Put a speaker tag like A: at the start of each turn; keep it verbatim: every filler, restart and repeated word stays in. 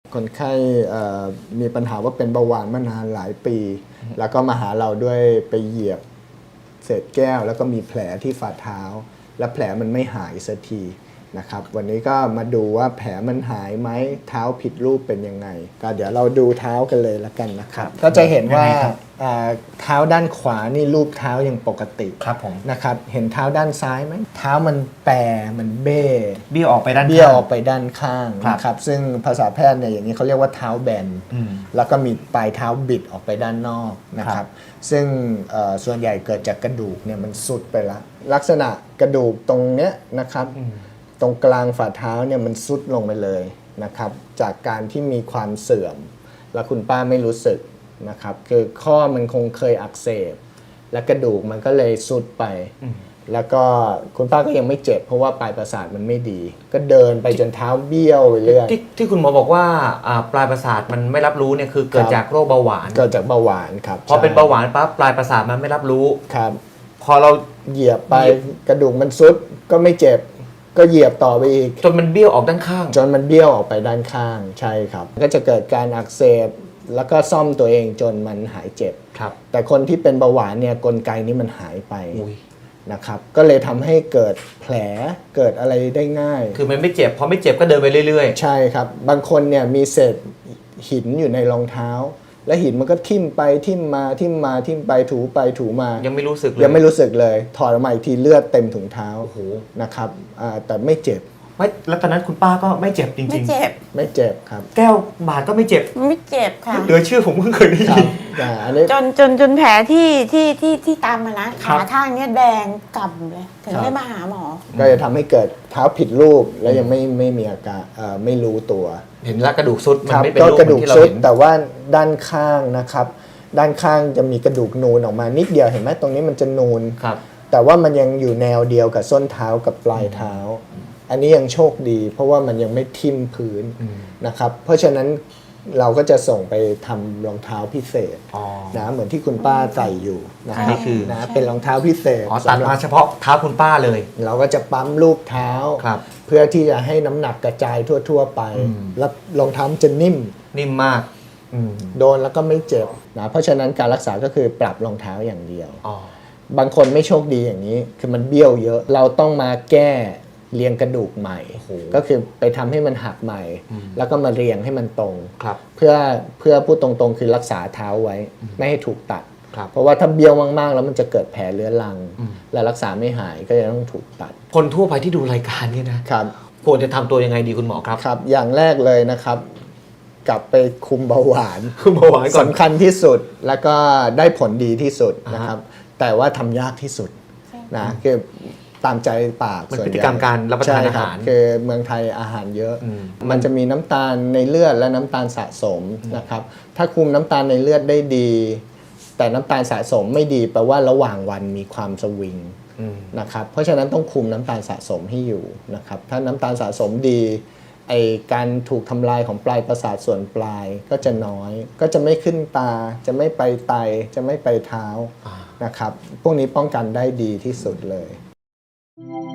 A: คนไข้มีปัญหาว่าเป็นเบาหวานมานานหลายปี แล้วก็มาหาเราด้วยไปเหยียบเศษแก้วแล้วก็มีแผลที่ฝ่าเท้าและแผลมันไม่หายสักทีนะครับวันนี้ก็มาดูว่าแผลมันหายไหมเท้าผิดรูปเป็นยังไงก็เดี๋ยวเราดูเท้ากันเลยละกันนะครับก็จะเห็นว่าเท้าด้านขวานี่รูปเท้ายังปกติ
B: ครับผม
A: นะครับเห็นเท้าด้านซ้ายไหมเท้ามันแปรมันเบ้
B: เบี้ยวออกไปด้าน
A: เบี้ยวออกไปด้านข้างนะครับซึ่งภาษาแพทย์เนี่ยอย่างนี้เขาเรียกว่าเท้าแบนแล้วก็มีปลายเท้าบิดออกไปด้านนอกนะครับซึ่งส่วนใหญ่เกิดจากกระดูกเนี่ยมันสุดไปแล้วลักษณะกระดูกตรงเนี้ยนะครับตรงกลางฝ่าเท้าเนี่ยมันซุดลงไปเลยนะครับจากการที่มีความเสื่อมแล้วคุณป้าไม่รู้สึกนะครับคือข้อมันคงเคยอักเสบและกระดูกมันก็เลยซุดไปแล้วก็คุณป้าก็ยังไม่เจ็บเพราะว่าปลายประสาทมันไม่ดีก็เดินไปจนเท้าเบี้ยวไปเรื่อย
B: ที่ที่คุณหมอบอกว่าปลายประสาทมันไม่รับรู้เนี่ยคือเกิดจากโรคเบาหวาน
A: เกิดจากเบาหวานครับ
B: พอเป็นเบาหวานปั๊บปลายประสาทมันไม่รับรู้
A: ครับ
B: พอเรา
A: เหยียบไปกระดูกมันซุดก็ไม่เจ็บก็เหยียบต่อไปอีก
B: จนมันเบี้ยวออกด้านข้าง
A: จนมันเบี้ยวออกไปด้านข้างใช่ครับก็จะเกิดการอักเสบแล้วก็ซ่อมตัวเองจนมันหายเจ็บ
B: ครับ
A: แต่คนที่เป็นเบาหวานเนี่ยกลไกนี้มันหายไปนะครับก็เลยทำให้เกิดแผลเกิดอะไรได้ง่าย
B: คือมันไม่เจ็บพอไม่เจ็บก็เดินไปเรื่อย
A: ๆใช่ครับบางคนเนี่ยมีเศษหินอยู่ในรองเท้าและหินมันก็ทิ่มไปทิ่มมาทิ่มมาทิ่มไปถูไปถูมา
B: ยังไม่รู้สึกเลย
A: ยังไม่รู้สึกเลยถอดออกมาอีกทีเลือดเต็มถุงเท้านะครับแต่ไม่เจ็บ
B: ไม่แล้วตอนนั้นคุณป้าก็ไม่เจ็บจริงๆไม่
C: เจ็บ
A: ไม่เจ็บครับ
B: แก้วบาดก็ไม่เจ็บ
C: ไม่เจ็บค่ะ
B: เหลือเชื่อผมเพิ่งเคยได้ยิน
C: จนจนจนแผลที่ที่ที่ที่ตามมานะขาข้างเนี้ยแดงกำเลยถึงได้มาหาหมอ
A: ก็จะทำให้เกิดเท้าผิดรูปแล้วยังไม่ไม่มีอาการไม่รู้ตัว
B: เห็นแล้วกระดูกซุดมันไม่เป็นรูป
A: ที่เราเห็นแต่ว่าด้านข้างนะครับด้านข้างจะมีกระดูกนูนออกมานิดเดียวเห็นไหมตรงนี้มันจะนูนแต่ว่ามันยังอยู่แนวเดียวกับส้นเท้ากับปลายเท้าอันนี้ยังโชคดีเพราะว่ามันยังไม่ทิ่มพื้นนะครับเพราะฉะนั้นเราก็จะส่งไปทำรองเท้าพิเศษนะเหมือนที่คุณป้าใส่อยู่นะ
B: นี่คือ
A: นะเป็นรองเท้าพิเศษ
B: ตัดมาเฉพาะเท้าคุณป้าเลย
A: เราก็จะปั๊มรูปเท้าเพื่อที่จะให้น้ำหนักกระจายทั่วๆไปแล้วรองเท้าจะนิ่ม
B: นิ่มมาก
A: โดนแล้วก็ไม่เจ็บนะเพราะฉะนั้นการรักษาก็คือปรับรองเท้าอย่างเดียวบางคนไม่โชคดีอย่างนี้คือมันเบี้ยวเยอะเราต้องมาแก้เรียงกระดูกใหม่ก็คือไปทำให้มันหักใหม่แล้วก็มาเรียงให้มันตรงเพื่อเพื่อพูดตรงๆคือรักษาเท้าไว้ไม่ให้ถูกตัดเพราะว่าถ้าเบี้ยวมากๆแล้วมันจะเกิดแผลเรื้อรังและรักษาไม่หายก็จะต้องถูกตัด
B: คนทั่วไปที่ดูรายการนี้นะครับควรจะทำตัวยังไงดีคุณหมอครับ
A: ครับอย่างแรกเลยนะครับกลับไปคุมเบาหวาน
B: คุมเบาหวาน
A: สำคัญที่สุดแล้วก็ได้ผลดีที่สุดนะครับแต่ว่าทำยากที่สุดนะคือตามใจปาก
B: มันพฤติกรรมการรับประทานอาหาร
A: คือเมืองไทยอาหารเยอะมันจะมีน้ำตาลในเลือดและน้ำตาลสะสมนะครับถ้าคุมน้ำตาลในเลือดได้ดีแต่น้ำตาลสะสมไม่ดีแปลว่าระหว่างวันมีความสวิงนะครับเพราะฉะนั้นต้องคุมน้ำตาลสะสมให้อยู่นะครับถ้าน้ำตาลสะสมดีไอการถูกทำลายของปลายประสาทส่วนปลายก็จะน้อยก็จะไม่ขึ้นตาจะไม่ไปไตจะไม่ไปเท้านะครับพวกนี้ป้องกันได้ดีที่สุดเลย
D: Thank you.